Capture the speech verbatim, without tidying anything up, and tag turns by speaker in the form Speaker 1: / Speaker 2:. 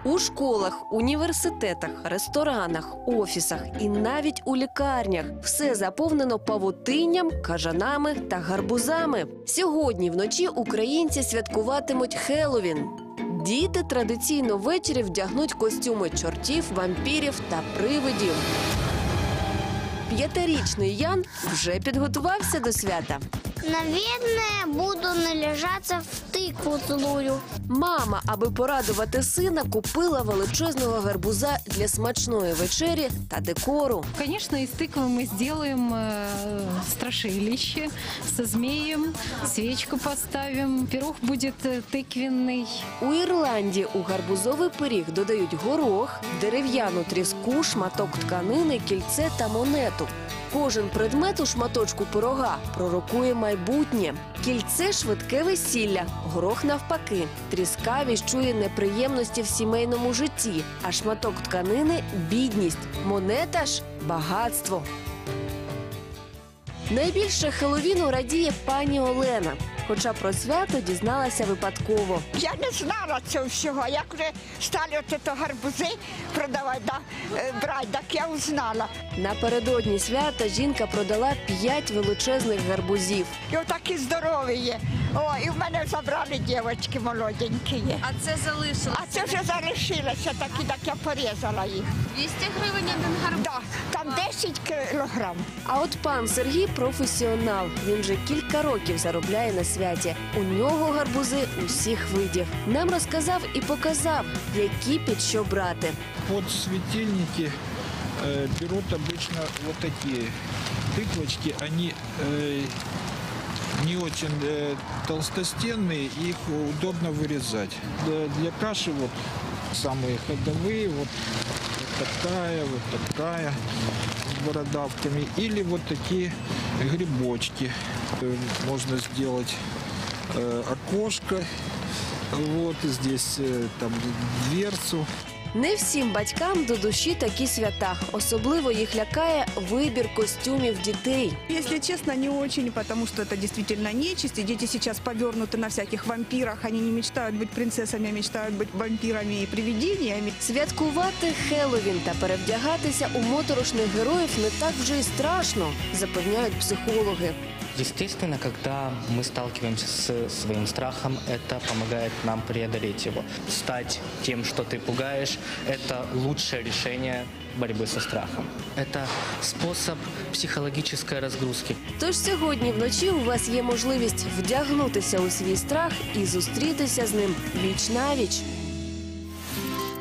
Speaker 1: У школах, університетах, ресторанах, офісах і навіть у лікарнях все заповнено павутинням, кажанами та гарбузами. Сьогодні вночі українці святкуватимуть Хеллоуін. Діти традиційно ввечері вдягнуть костюми чортів, вампірів та привидів. П'ятирічний Ян вже підготувався до свята.
Speaker 2: Наверное, буду належаться в тыкву злую.
Speaker 1: Мама, аби порадувати сина, купила величезного гарбуза для смачної вечері та декору.
Speaker 3: Конечно, из тыквы мы сделаем э, страшилище со змеем, свечку поставим, пирог будет э, тыквенный.
Speaker 1: У Ірландії у гарбузовий пиріг додають горох, дерев'яну тріску, шматок тканини, кільце та монету. Кожен предмет у шматочку пирога пророкує майбутнє. Кільце – швидке весілля, горох навпаки. Тріска віщує неприємності в сімейному житті, а шматок тканини – бідність. Монета ж – багатство. Найбільше Хеллоуіну радіє пані Олена. Хоча про свято дізналася випадково.
Speaker 4: Я не знала цього всього. Як вже стали ото гарбузи продавати, да, е, брати, так я узнала.
Speaker 1: Напередодні свята жінка продала п'ять величезних гарбузів.
Speaker 4: І отакі здорові є. О, і в мене забрали дівчатки молоденькі є.
Speaker 5: А це залишилося?
Speaker 4: А це вже залишилося такі, так я порізала їх.
Speaker 5: двісті гривень один гарбуз?
Speaker 4: Да, там десять кілограм.
Speaker 1: А от пан Сергій – професіонал. Він вже кілька років заробляє на святі. У нього гарбузи усіх видів. Нам розказав і показав, які під що брати.
Speaker 6: Под светильники э, берут обычно вот такие тыквочки. Они э, не очень э, толстостенные, их удобно вырезать. Для, для каши вот самые ходовые, вот, вот такая, вот такая, с бородавками. Или вот такие грибочки. Э, можно сделать э, окошко, вот здесь э, там дверцу.
Speaker 1: Не всім батькам до душі такі свята. Особливо їх лякає вибір костюмів дітей.
Speaker 7: Если честно, не очень, потому что это действительно нечисть. И дети сейчас повернуты на всяких вампирах. Они не мечтают быть принцессами, а мечтают быть вампирами и привидениями.
Speaker 1: Святкувати Хеллоуін та перевдягатися у моторошних героїв не так вже й страшно, запевняють психологи.
Speaker 8: Естественно, когда мы сталкиваемся с своим страхом, это помогает нам преодолеть его. Стать тем, что ты пугаешь, это лучшее решение борьбы со страхом. Это способ психологической разгрузки.
Speaker 1: Тож сьогодні вночі у вас є можливість вдягнутися у свій страх і зустрітися з ним віч-навіч.